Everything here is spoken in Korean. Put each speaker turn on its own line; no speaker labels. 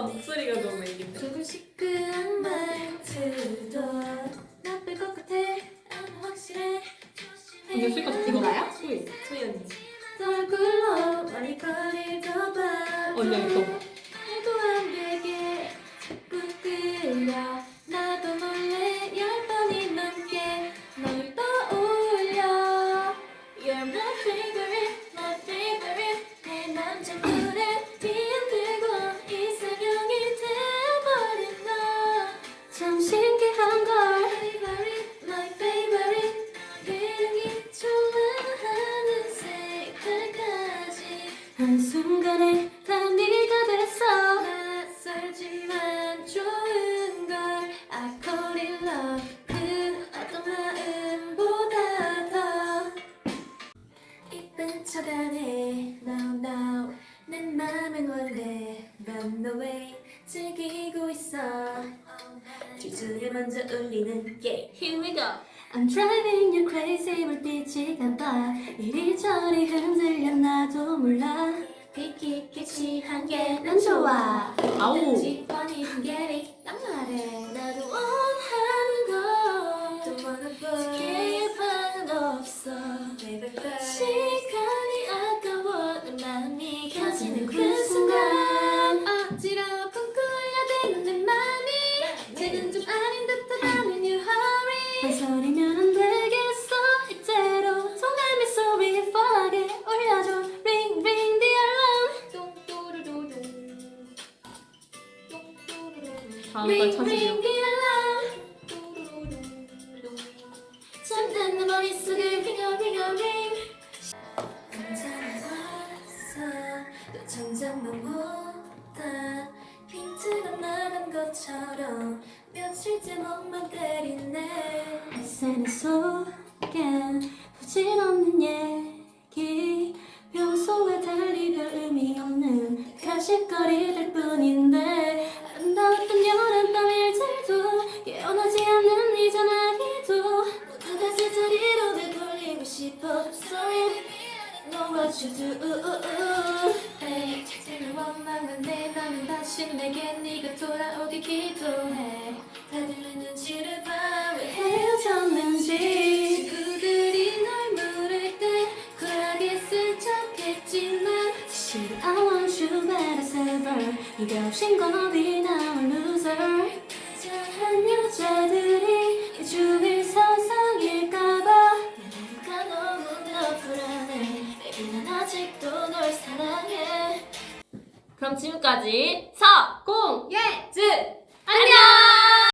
목소리가 너무 애기인데.
조금 시크한 말투도 나쁠 것 같아. 안 확실해.
이게 수익가 이거 나야? 소희 언니.
얼굴로 많이 거리도 봐.
언니 이거.
해도 안 되게 자꾸 끌려. 나도 몰래 10번이 넘게 널 떠올려. You're my favorite, my favorite. 내 남자들의 뒤흔들고 이상형이 되어버린 너. 참 신기한 걸. Favorite, my favorite. 매력이 좋아하는 색깔까지 한순간에 다 네가 됐어. 낯설지만 좋은 걸 I call it love. 그 어떤 마음보다 더 이쁜 척하네. No no 내 맘은 원래 run away 즐기고 있어. 뒤줄을 먼저 울리는 yeah. Here we go. I'm driving you crazy. 불빛이 감아 이리저리 흔들려. 나도 몰라 퀴퀴퀴 취한 게 난 좋아.
아우.
지퍼니 게리 딱 말해. 나도 원하는 거 또 wanna boy 기회는 없어. 시간이 아까워. 내 마음이 켜지는 그 순간 어지러워 쿵쿵 울려대는 내 맘이 지금 좀 아닌 듯하다는 you hurry. 망설이면 안 되겠어. 이대로 통감의 소리 뻔하게 올려줘. Ring ring the alarm.
다음 걸
Ring
찾으려.
ring the alarm. 잠든 내 머릿속을 ring ring ring. 괜찮았어. 또 정장만 보다 핀트가 나간 것처럼 며칠째 멍만 때리네. SNS 속엔 부질없는 얘기 평소와 달리 별 의미 없는 가십거리들 뿐인데 아름다웠던 여름밤 일들도 깨어나지 않는 이 전화기도 모두 다 제자리로 되돌리고 싶어. Sorry know what you do. Hey, 제일 원망한데 나는 다시 내게 네가 돌아오길 기도해. 다들 내 눈치를 봐. 왜 헤어졌는지. 친구들이 널 물을 때 쿨하게 쓴 척했지만 사실 I want you better as ever. 네가 없인 건 어디 now a loser. 자한 여자들이 일주일 서성일까봐 내가 너무나 불안해. Baby 난 아직도 널 사랑해.
그럼 지금까지 사, 고!